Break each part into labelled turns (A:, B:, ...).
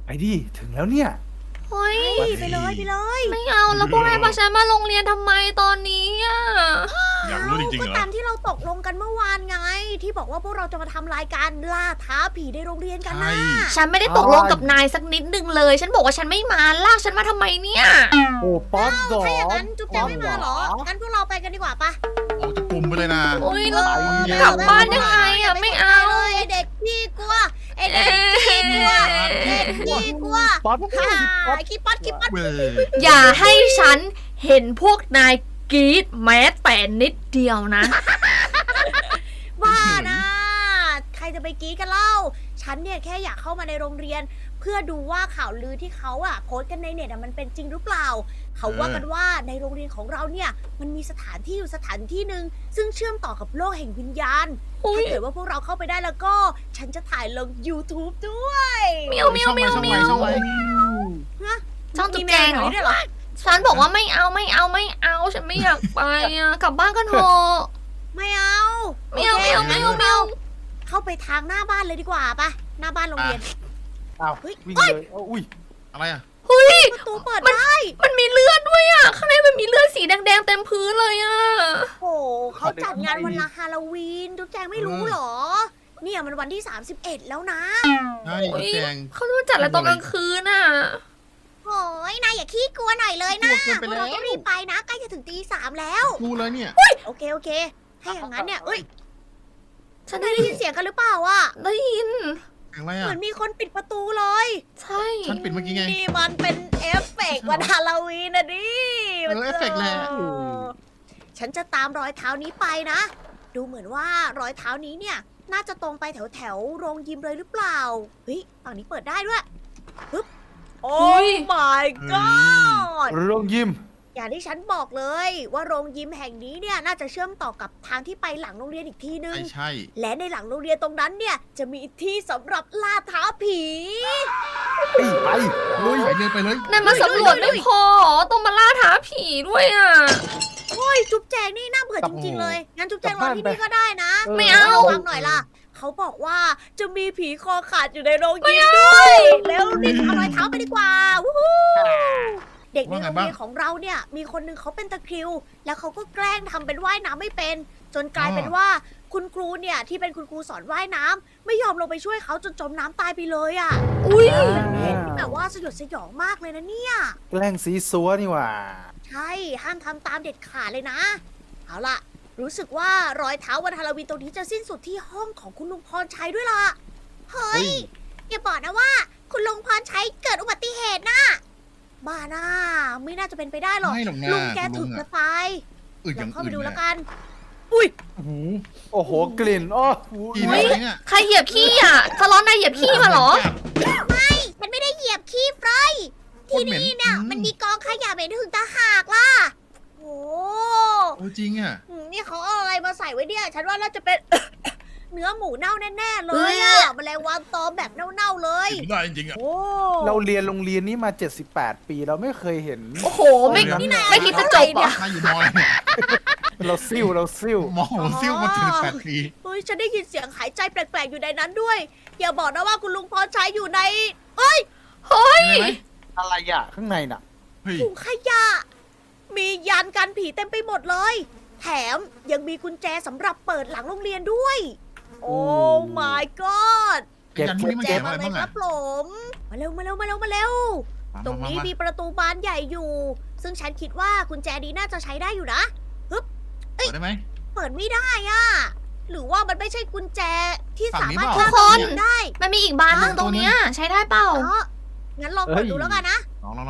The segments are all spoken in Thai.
A: ดิถึงแล้วเนี่ย
B: เฮ้ย
C: ไปเลยไปเลย
B: ไม่เอาแล้วพวกนายพาฉันมาโรงเรียนทำไมตอนนี้อ่ะ
D: อยากรู้จริงๆ
C: ก็
D: เหรอ
C: ตามที่เราตกลงกันเมื่อวานไง ที่บอกว่าพวกเราจะมาทำรายการล่าท้าผีในโรงเรียนกันนะ
D: ใช่
B: ฉันไม่ได้ตกลงกับนายสักนิดนึงเลย ฉันบอกว่าฉันไม่มาลากฉันมาทำไมเนี่ย
A: โอ้ป๊อปดอ
C: ถ้าอย่างนั้นจุ๊บแจงไม่มาเหรอ งั้นพวกเราไปกันดีกว่าปะ
D: ออกจากกลุ่มไปเลยนะ
B: โอ้ยแล้ว
D: เออ
B: กลับบ้านยังไงอ่ะไม่เอา
C: ไอเด็กพี่กลัวไอเด็กพี่กลัวเด็กพี่กลัว
A: ป๊อป
C: ฮ่า
A: ป๊อป
C: ขี้ป๊อดขี้ป๊อด
D: เว้ย
B: อย่าให้ฉันเห็นพวกนายกรีดแม้แต่นิดเดียวนะ
C: บ้านะ ใครจะไปกรี้กันเล่า ฉันเนี่ยแค่อยากเข้ามาในโรงเรียน เพื่อดูว่าข่าวลือที่เขาโพสต์กันในเน็ตมันเป็นจริงหรือเปล่า เขาว่ากันว่าในโรงเรียนของเราเนี่ยมันมีสถานที่อยู่สถานที่หนึ่งซึ่งเชื่อมต่อกับโลกแห่งวิญญาณ
B: อุ๊ย
C: ถ้าเกิดว่าพวกเราเข้าไปได้แล้วก็ ฉันจะถ่ายลง YouTube ด้วย
B: เมียวเมียวเมียว
D: ช่อง
B: เมี
D: ไว้
B: ยว
D: ช่องไว้
B: ช่องจุ๊บแจงเหรอ
C: มีแมวแบบนี้ด้วยเหรอ
B: ฉันบอกว่าไม่เอาไม่เอาไม่เอา ฉันไม่อยากไปอ่ะกลับบ้านกันเถอะ
C: ไม่เอา
B: ไม่เอา
C: โค
B: ไม่เอาไม่เอาไม่เอา
C: เข้าไปทางหน้าบ้านเลยดีกว่าปะหน้าบ้านโรงเรียน
A: อ้าว
C: เฮ้ย
A: วิ่งเลยอุ้ย
D: อะไรอ่ะ
B: เฮ้ย
C: ประตูเปิดได้
B: มันมีเลือดด้วยอ่ะ ข้างในมันมีเลือดสีแดงๆเต็มพื้นเลยอ่ะ
C: โอ้โหเขาจัดงานวันละฮาโลวีนทุกแจงไม่รู้เหรอ เนี่ยมันวันที่ 31 แล้วนะ
D: ใช่
B: โอ้ย
D: แจง
B: เขาจะมาจัดอะไรตอนกลางคืนอ่ะ
C: โอ้ยนายอย่าขี้กลัวหน่อยเลยนะ
D: กลัวเกินไป
C: พวกเรา
D: แล้ว
C: ต้องรีบไปนะใกล้จะถึงตี 3แล้ว
D: ดูเลยเนี่ย
C: โอเคโอเค ให้อย่างนั้นเนี่ยเอ้ย
B: ฉัน
C: นายได้ยินเสียงกันหรือเปล่าอ่ะ
B: ได้ยิน
D: เสียงอะไร
C: เห
D: อ่ะ
C: มือนมีคนปิดประตูเลย
B: ใช่
D: ฉันปิดเมื่อกี้ไง
C: นี่มันเป็นเอฟเฟกต์วันฮาโลวีนนะดิ
D: เอฟเฟกต์แหละ
C: ฉันจะตามรอยเท้านี้ไปนะ ดูเหมือนว่ารอยเท้านี้เนี่ย น่าจะตรงไปแถวแถวๆโรงยิมเลยหรือเปล่า เฮ้ย ฝั่งนี้เปิดได้ด้วยปึ๊บ โอ้ my god
A: โรงยิม
C: อย่างที่ฉันบอกเลยว่าโรงยิมแห่งนี้เนี่ยน่าจะเชื่อมต่อกับทางที่ไปหลังโรงเรียนอีกทีนึง
D: ใช่ใช่
C: และในหลังโรงเรียนตรงนั้นเนี่ยจะมีที่สำหรับล่าท้าผี
A: ไปลุย
D: ไปเลยไปเลย
B: นายมาสำรวจไม่พอต้องมาล่าท้าผีด้วยอ่ะ
C: โอ้ยจุ๊บแจงนี่น่าเบื่อจริงๆเลย งั้นจุ๊บแจงรอที่นี่ก็ได้นะ
B: ไม่เอา
C: ฟังหน่อยล่ะ เขาบอกว่าจะมีผีคอขาดอยู่ในโรงยิมด้วย แล้วรีบเอารอยเท้าไปดีกว่า วู้ฮู้เด็กในโรงเรียนของเราเนี่ย มีคนหนึงเขาเป็นตะคริว แล้วเขาก็แกล้งทำเป็นว่ายน้ำไม่เป็น จนกลายเป็นว่าคุณครูเนี่ยที่เป็นคุณครูสอนว่ายน้ำไม่ยอมลงไปช่วยเขาจนจมน้ำตายไปเลยอ่ะ
B: อุ้ย
C: แต่ว่าสยดสยองมากเลยนะเนี่ย
A: แกล้งซีซัวนี่หว่า
C: ใช่ ห้ามทำตามเด็ดขาดเลยนะ เอาล่ะ รู้สึกว่ารอยเท้าวันฮาโลวีนตรงนี้จะสิ้นสุดที่ห้องของคุณลุงพรชัยด้วยล่ะ เฮ้ย อย่าบอกนะว่า คุณลุงพรชัยเกิดอุบัติเหตุนะบ้าน่าไม่น่าจะเป็นไปได้หรอก
D: ไม่หรอกนะ
C: ลุงแกถึ
D: ลุ
C: ง
D: ง
C: จะ
D: อะ
C: ตาย
D: อื่น
C: ล
D: อ
C: อง
D: ย่าง
C: เข้าไป
D: อื่น
C: ดู
D: เนี่
C: แล้ว
D: ย
C: กัน อุ้ย
D: โอ้โห
A: โอ้โหกลิ่นอ้อ
D: กินอะไรเนี่ย
B: ใครเหยียบขี้อ่ะคาร้อนนายเหยียบขี้มาเหรอ
C: ฉันไม่ได้เหยียบขี้เฟรย
D: โคตรเหม็น
C: ที่นี่เนี่ยมันมีกองขยะเหม็นถึงตาหากล่ะ โอ้
D: โอ้จริงอ่ะ
C: นี่เขาเอาอะไรมาใส่ไว้เนี่ย ฉันว่าน่าจะเป็น เนื้อหมูเน่าแน่ๆเลย
B: เอ้
C: อะ
B: ย
C: แมลงวันตอมแบบเน่าๆเลย
D: กินได้จริงๆอ่ะ
C: โอ้
A: เราเรียนโรงเรียนนี้มา 78 ปีเราไม่เคยเห็น
B: โอ้โห ไม่
A: นี่
B: ไม่คิดจะจบเหรอ่ะ
D: นายอยู่มออะไรเนี่ย
A: เราซิ่วเราซิ่ว
D: มอผมซิ่วมาถึง8 ปี
C: เฮ้ยฉันได้ยินเสียงหายใจแปลกๆอยู่ในนั้นด้วย อย่าบอกนะว่าคุณลุงพรชัยอยู่ใน เอ้ย
B: เฮ้ย
D: เห็นไหม
A: อะไรอ่ะ ข้างในน่ะ
D: เฮ้ย
C: ถุงขยะ มียันกันผีเต็มไปหมดเลย แถมยังมีกุญแจสำหรับเปิดหลังโรงเรียนด้วย โอ้ my god
A: เก็บ
D: ยันพวกนี้มัน
C: แจ
D: เก็บ
C: มา
D: อะไร
C: เลย
D: บ้าง
C: ครั
D: อ่ะ
C: บผมมาเร็วมาเร็วมาเร็วมาเร็ว ตรงนี้มีประตูบานใหญ่อยู่ ซึ่งฉันคิดว่ากุญแจนี้น่าจะใช้ได้อยู่นะ
D: เปิดได้ไหม
C: เปิดไม่ได้อะหรือว่ามันไม่ใช่กุญแจที่
D: ฝั่
C: สาง
D: นี้
C: มารถ
D: เปล่า
C: ข้าม
B: ทุกคน
C: ได้
B: มันมีอีกบานหนึงตรงเนี้ยใช้ได้เปล่า
C: อ๋องั้นลองกดดูแล้วกันนะ
D: ลอง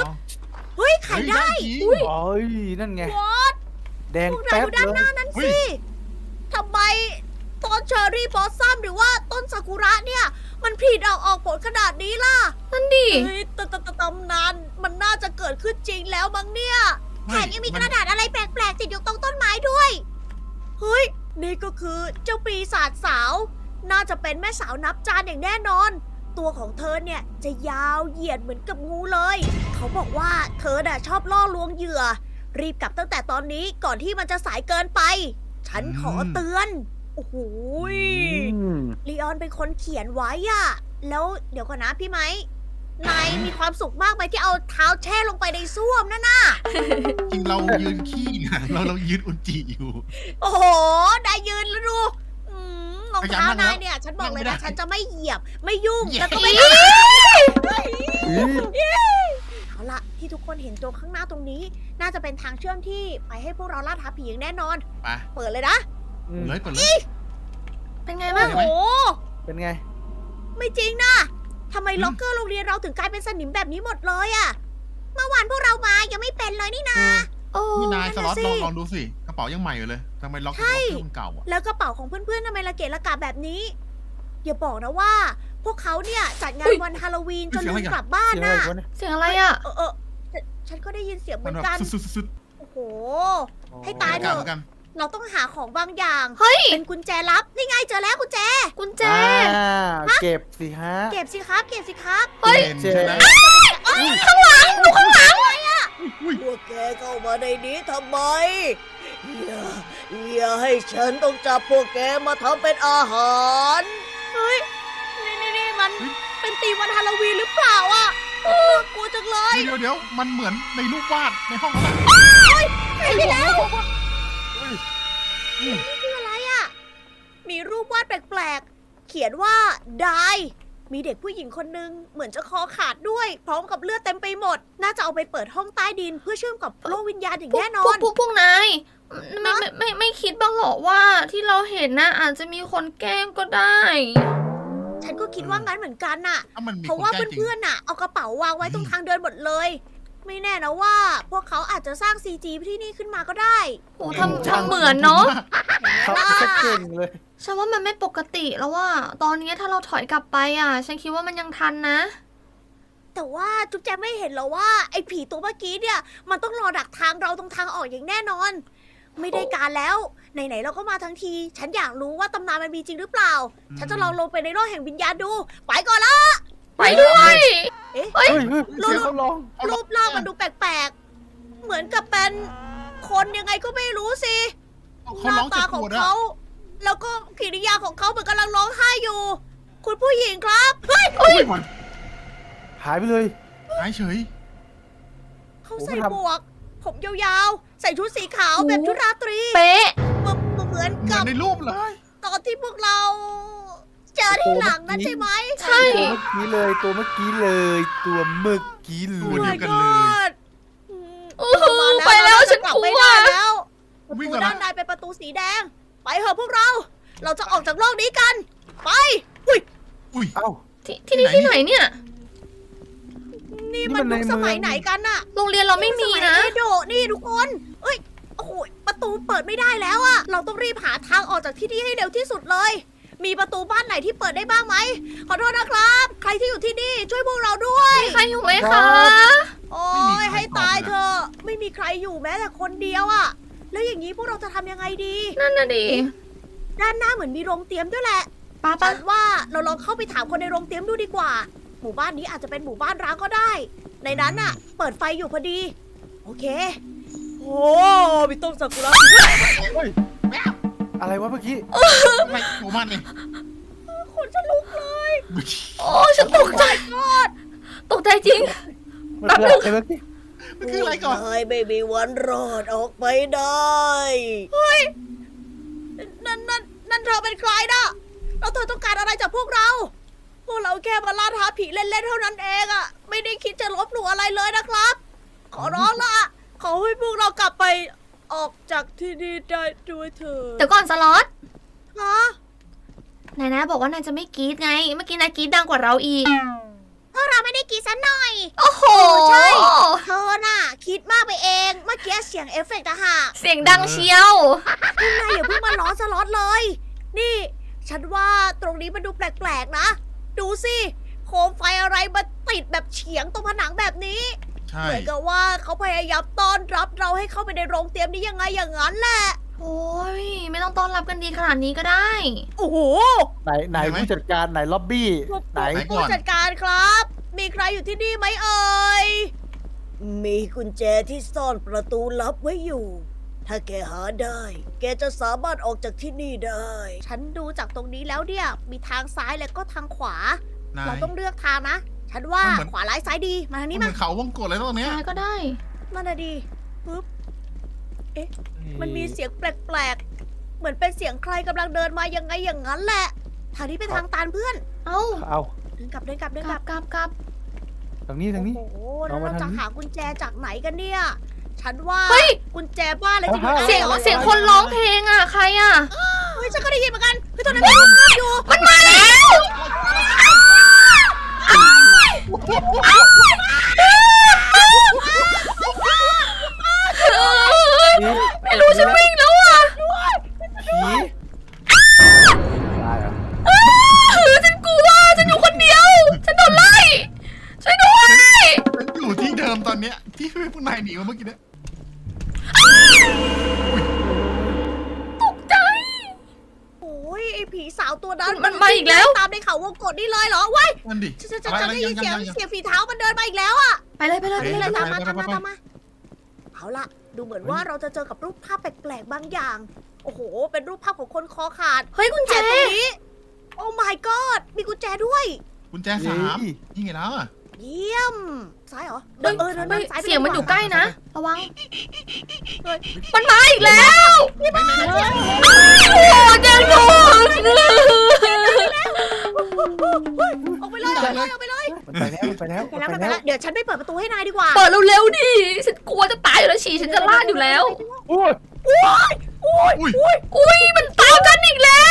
C: เฮ้ยไขได้
D: จริง
A: โอ้ยนั่นไง
C: วอต
A: แดง
C: พวกนาย
A: แป๊บ
C: ดูด้าน
A: เล
C: หน้าย นั้น
D: เฮ้
C: สิ
D: ย
C: ทำไมต้นเชอร์รี่บอสซัมหรือว่าต้นซากุระเนี่ย มันผลิออกผลขนาดนี้ล่ะ
B: นั่นดิ
C: เฮ้ยตำนานมันน่าจะเกิดขึ้นจริงแล้วมั้งเนี่ยแถมยังมีกระดาษอะไรแปลกๆติดอยู่ตรงต้นไม้ด้วย เฮ้ย นี่ก็คือเจ้าปีศาจสาว น่าจะเป็นแม่สาวนับจานอย่างแน่นอน ตัวของเธอเนี่ยจะยาวเหยียดเหมือนกับงูเลย เขาบอกว่าเธอน่ะชอบล่อลวงเหยื่อ รีบกลับตั้งแต่ตอนนี้ก่อนที่มันจะสายเกินไป ฉันขอเตือน โอ้โหย
A: อืม
C: ลีออนเป็นคนเขียนไว้อะแล้วเดี๋ยวก่อนนะพี่ไม้นายมีความสุขมากไหมที่เอาเท้าแช่ลงไปในส้วมนั่นน่ะ
D: จริงเรายืนขี้นะเรายืนอุจจิอยู่
C: โอ้โหนายยืนแล้วดูรองเท้านายเนี่ย ฉันบอกเลย
D: นั่
C: นะ
D: งไม่ได้
C: ฉันจะไม่เหยียบ ไม่ยุ่ง
D: เหยียบ
C: แล้วก็ไม่
A: อี๋
C: เอาละที่ทุกคนเห็นตรงข้างหน้าตรงนี้ น่าจะเป็นทางเชื่อมที่ไปให้พวกเราล่าท้าผีอย่างแน่นอน
D: ไป
C: เปิดเลยนะ
A: อืม
D: เลยเปิดเลย
B: เป็นไง
C: โอ้
B: บ้าง
C: โห
A: เป็นไง
C: ไม่จริงนะทำไมล็อกเกอร์โรงเรียนเราถึงกลายเป็นสนิมแบบนี้หมดเลยอะเมื่อวานพวกเรามายังไม่เป็นเลยนี่นา
B: โอ้
D: นี่นายสล็อต
C: นั่นน่ะสิ
D: ลองดูสิกระเป๋ายังใหม่อยู่เลยทำไมล็อก
C: ใช่
D: เครื่องเก่าอ่ะ
C: แล้วกระเป๋าของเพื่อนๆทำไมละเกะละกะแบบนี้อย่าบอกนะว่า พวกเขาเนี่ยจัดงานวันฮาโลวีนจนลืมกลับบ้าน
A: เสียงอะไร
C: น่ะ
A: วะเนี่ย
B: เสียงอะไรอ่ะ
C: ฉันก็ได้ยินเสียงเห
D: มั
C: มื
D: น
C: อน
D: แบบ
C: กัน
D: สุด
C: โอ้โห
A: อ๋อ
C: ให้ตาย
D: ๆ
C: เถ
D: กัน
C: อะ
D: เหมือนกัน
C: เราต้องหาของบางอย่าง
B: เฮ้ย
C: เป็นกุญแจลับ นี่ไงเจอแล้วกุญแจ
B: กุญแจ
A: เก็บสิฮะ
C: เก็บสิครับ เก็บสิครับ
B: เฮ้ย
D: เห็นใช่ไหม
C: ข้างหลังดูข้างหลังเลยอะ
D: อุ้ย
C: พวกแกเข้ามาในนี้ทำไม อย่าให้ฉันต้องจับพวกแกมาทำเป็นอาหาร เฮ้ย นี่มันเป็นตีมวันฮาโลวีนหรือเปล่าอะน่ากลัวจังเลย
D: เดี๋ยวมันเหมือนในรูปวาดในห้องนั้น
C: หายไปแล้ว
D: เฮ้ย
C: นี่คืออะไรอะมีรูปวาดแปลกๆ เขียนว่าดายมีเด็กผู้หญิงคนนึงเหมือนจะคอขาดด้วย พร้อมกับเลือดเต็มไปหมด น่าจะเอาไปเปิดห้องใต้ดินเพื่อเชื่อมกับโลกวิญญาณอย่างแน่นอน
B: พวกนายไม่คิดบ้างเหรอว่าที่เราเห็นน่ะอาจจะมีคนแกล้งก็ได้
C: ฉันก็คิดว่างั้นเหมือนกันน่ะ
D: ถ้ามันมี
C: เพราะ
D: คน
C: ว่า
D: แกล้งจริง
C: เพื่อนๆน่ะ เอากระเป๋าวางไว้ตรงทางเดินหมดเลย ไม่แน่นะว่า พวกเขาอาจจะสร้าง CG ที่นี่ขึ้นมาก็ได้
B: โอ้ทำเหมือนเนาะ
A: เขาจะเก่งเลย
B: ฉันว่ามันไม่ปกติแล้วว่า ตอนนี้ถ้าเราถอยกลับไปอ่ะ ฉันคิดว่ามันยังทันนะ
C: แต่ว่าจุ๊บแจงไม่เห็นเหรอว่าไอ้ผีตัวเมื่อกี้เนี่ย มันต้องรอดักทางเราตรงทางออกอย่างแน่นอน ไม่ได้การแล้วไหนๆเราก็มาทั้งที ฉันอยากรู้ว่าตำนานมันมีจริงหรือเปล่า ฉันจะลองลงไปในโลกแห่งวิญญาณดู ไปก่อนละ
B: ไปด้วย
A: เฮ้ยเสียงเขาร้อง
C: รูปร่างมันดูแปลกๆ เหมือนกับเป็นคนยังไงก็ไม่รู้สิ ห
D: เขา
C: น้า
D: ร้อง
C: ตา
D: เจ็บ
C: ข
D: ป
C: อง
D: วดอะ
C: เขา แล้วก็กิริยาของเขาเหมือนกำลังร้องไห้อยู่ คุณผู้หญิงครับ เฮ้ย
D: อุ้ยมัน
A: หายไปเลย
D: หายเฉย
C: เขาใส่
A: ผมทำ
C: หมวก ผมยาวๆ ใส่ชุดสีขาวแบบชุดราตรี
B: เป๊ะ
C: เหมือน
D: เหมื
C: กั
D: อบ นในรูปเลย
C: ตอนที่พวกเรา เจอที่หลังนั่นใช่ไหม
B: ใช่
A: ตัวเมื่อกี้เลย ตัวเมื่อกี้เล
D: ตัวเดี
A: ย
D: ยวกันเลย
B: อู้หูไปแล้วฉันกลัว
C: ไม่ได้แล้วประ
D: วิ่ง
C: ตู
D: ก่อนนะ
C: ด้านในเป็นประตูสีแดง ไปเถอะพวกเรา เราจะออกจากโลกนี้กัน ไป
D: อุ้ย
A: เอ้า
B: ที่นี่ที่ไหนเนี่ย
C: นี่
A: นี่
C: มั
A: มัน นใน
C: ยุคสมัย
A: เมือง
C: ไหนกันน่ะ
B: โรงเรียนเราไม่มีนะ
C: สยเอโดะนี่ทุกคน เอ้ย โอ้โห ประตูเปิดไม่ได้แล้วอะเราต้องรีบหาทางออกจากที่นี่ให้เร็วที่สุดเลย มีประตูบ้านไหนที่เปิดได้บ้างไหม ขอโทษนะครับ ใครที่อยู่ที่นี่ช่วยพวกเราด้วย
B: ใครอยู่ไหมคะ
C: โอ้ยให้ตายเถอะ ไม่มีใครอยู่แม้แต่คนเดียวอะแล้วอย่างนี้พวกเราจะทำยังไงดี
B: นั่นน่ะดิ
C: ด้านหน้าเหมือนมีโรงเตรียมด้วยแหละ
B: ป้า
C: ฉั
B: ป้า
C: นว่าเราลองเข้าไปถามคนในโรงเตรียมดูดีกว่า หมู่บ้านนี้อาจจะเป็นหมู่บ้านร้างก็ได้ ในนั้นน่ะ เปิดไฟอยู่พอดี โอเค โอ้พี่ต้นซากุระ
A: เฮ้ยอะไรวะเมื่อกี้
D: ทำไมโอ้มันเนี่ย
C: ขนจะลุกเลย
B: โอ้ฉันตกใจ ตกใจจริง
A: มันคืออะไรเมื่อกี้
D: มันคืออะไรก่อน
C: นายไม่มีวันรอดออกไปได้ เฮ้ย นั่นเธอเป็นใครนะแล้วเธอต้องการอะไรจากพวกเรา พวกเราแค่มาล่าท้าผีเล่นๆเท่านั้นเองอะไม่ได้คิดจะลบหลู่อะไรเลยนะครับ ขอร้องละขอให้พวกเรากลับไปออกจากที่นี่ได้ด้วยเถอะ
B: เดี๋ยวก่อนสล็อต
C: ฮะ
B: นายนะบอกว่านายจะไม่กรี๊ดไง เมื่อกี้นายกรี๊ดดังกว่าเราอีก
C: พวกเราไม่ได้คิดซะหน่อย
B: โอ้โห
C: ใช่ เธอน่ะ คิดมากไปเอง เมื่อกี้เสียงเอฟเฟกต์อะค่ะ
B: เสียงดังเชียว
C: คุณนายอย่าเพิ่งมาล้อสล็อตเลย นี่ ฉันว่าตรงนี้มันดูแปลกๆนะ ดูสิโคมไฟอะไรมาติดแบบเฉียงตรงผนังแบบนี้
D: ใช่
C: เหมือนกับว่าเขาพยายามต้อนรับเราให้เข้าไปในโรงเตรียมนี้ยังไงอย่างนั้นแหละ
B: โอ้ย ไม่ต้องต้อนรับกันดีขนาดนี้ก็ได้
C: โอ้โห
A: ไหนผู้จัดการไหนล็อบบี้ไหน
C: ผู้จัดการครับ มีใครอยู่ที่นี่ไหมเอ่ย มีกุญแจที่ซ่อนประตูลับไว้อยู่ ถ้าแกหาได้ แกจะสามารถออกจากที่นี่ได้ ฉันดูจากตรงนี้แล้วเนี่ย มีทางซ้ายและก็ทางขวา
D: นาย
C: เราต้องเลือกทางนะฉันว่า
D: มันเหมือน
C: ขวาร้ายซ้ายดี มาทางนี้
D: เหมื
C: มา
D: อนเขาวงกตเลยนะตรงเนี้ย
B: ใช่ก็ได้
C: มาหน่ะดีปึ๊บ มันมีเสียงแปลกๆ เหมือนเป็นเสียงใครกำลังเดินมายังไงอย่างนั้นแหละ ทางนี้เป็นทางตันเพื่อน
B: เอ้า
A: เอา
C: เดินกลับเดินกลับเดิน
B: ก
C: ก
B: ลั
C: ลั
B: บบ กลับ
A: ทางนี้ทางนี้
C: โอ้โห
A: เอา
C: แล้ว
A: มา
C: เรา
A: ทาง
C: จะ
A: นี้
C: หากุญแจจากไหนกันเนี่ย ฉันว่า
B: เฮ้ย
C: กุญแจบ้านอะไรจะอยู่
A: เอา
C: ใต้
B: เสียง
C: หรอ
B: เสียงคนร้องเพลงอ่ะ ใครอ่ะ
C: เฮ้ยฉันก็ได้ยินเหมือนกันเฮ้ยตอนนั้นมีรูปภาพอยู่
B: มันมาแล้ว ไม่รู้ฉันวิ่งแล้วอ่ะ
A: ผีได้เหรอ
B: ฉันกลัว ฉันอยู่คนเดียว ฉันโดนไล่ ช่วยด้วย
D: ฉันอยู่ที่เดิมตอนเนี้ยที่พวกนายหนีมาเมื่อกี้เนี่ย
B: ตกใจ
C: โอ้ยไอ้ผีสาวตัวนั้น
B: มันมาอีกแล้ว
C: ตามในเขาวงกตนี่เลยเหรอว้าย
D: นั่นดิ
C: ฉัน
D: อะไร
C: ได้ยินเสียง
D: ยัง
C: เสียงฝีเท้ามันเดินมาอีกแล้วอะ
B: ไปเลยไปเลยไป
C: นี่
B: เล
C: เลย ยตามมา
D: ไป
C: ตามมา
D: ไป
C: ตามมา เอาล่ะ ดูเหมือนว่าเราจะเจอกับรูปภาพแปลกๆบางอย่าง โอ้โห เป็นรูปภาพของคนคอขาด
B: เฮ้ยกุญแจ
C: แต่ตรงนี้ โอ้ my god มีกุญแจด้วย
D: กุญแจ3นี่ไงแล้วอ่ะ
C: เยี่ยม ซ้ายเหรอ
B: เฮ้ย
C: เดิน
B: เฮ้ย
C: ซ้ายไป
B: เสียงมันอยู่
C: ดี
B: ใก
C: ว่า
B: ล้นะ ระวัง มันมาอีกแล้ว
D: ไปไหนเนี่ย
B: โอ้เจงถูก
C: ออกไปเลยออกไปเลยออกไปเลย
A: มันไปแล้วมันไปแล้ว
C: ไปแล้วไปแล้ว เดี๋ยวฉันไปเปิดประตูให้นายดีกว่า
B: เปิดเร็วๆดิ ฉันกลัวจะตายอยู่แล้วฉี่ฉันจะลาดอยู่แล้ว
A: โอ้ย
B: อุ้ยมันตามกันอีกแล้ว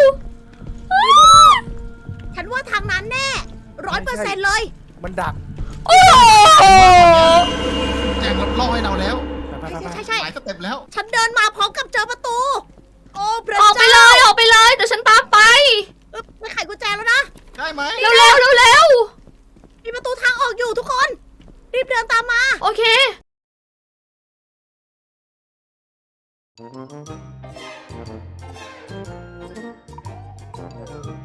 C: ฉันว่าทางนั้นแน่100%เลย
A: มันดัก
B: โอ้โห
D: แจงล่อให้เราแล้ว
A: ไปไปไป
C: ใช่
D: หลายสเต็ปแล้ว
C: ฉันเดินมาพร้อมกับเจอประตู โอ้พระ
B: ออกไป
C: เจ้า
B: เลยออกไปเลยเดี๋ยวฉันตามไป
C: ไม่ไขกุญแจแล้วนะ
D: ได้ไหม
B: เร็ว
C: มีประตูทางออกอยู่ทุกคน รีบเดินตามมา
B: โอเค
A: เ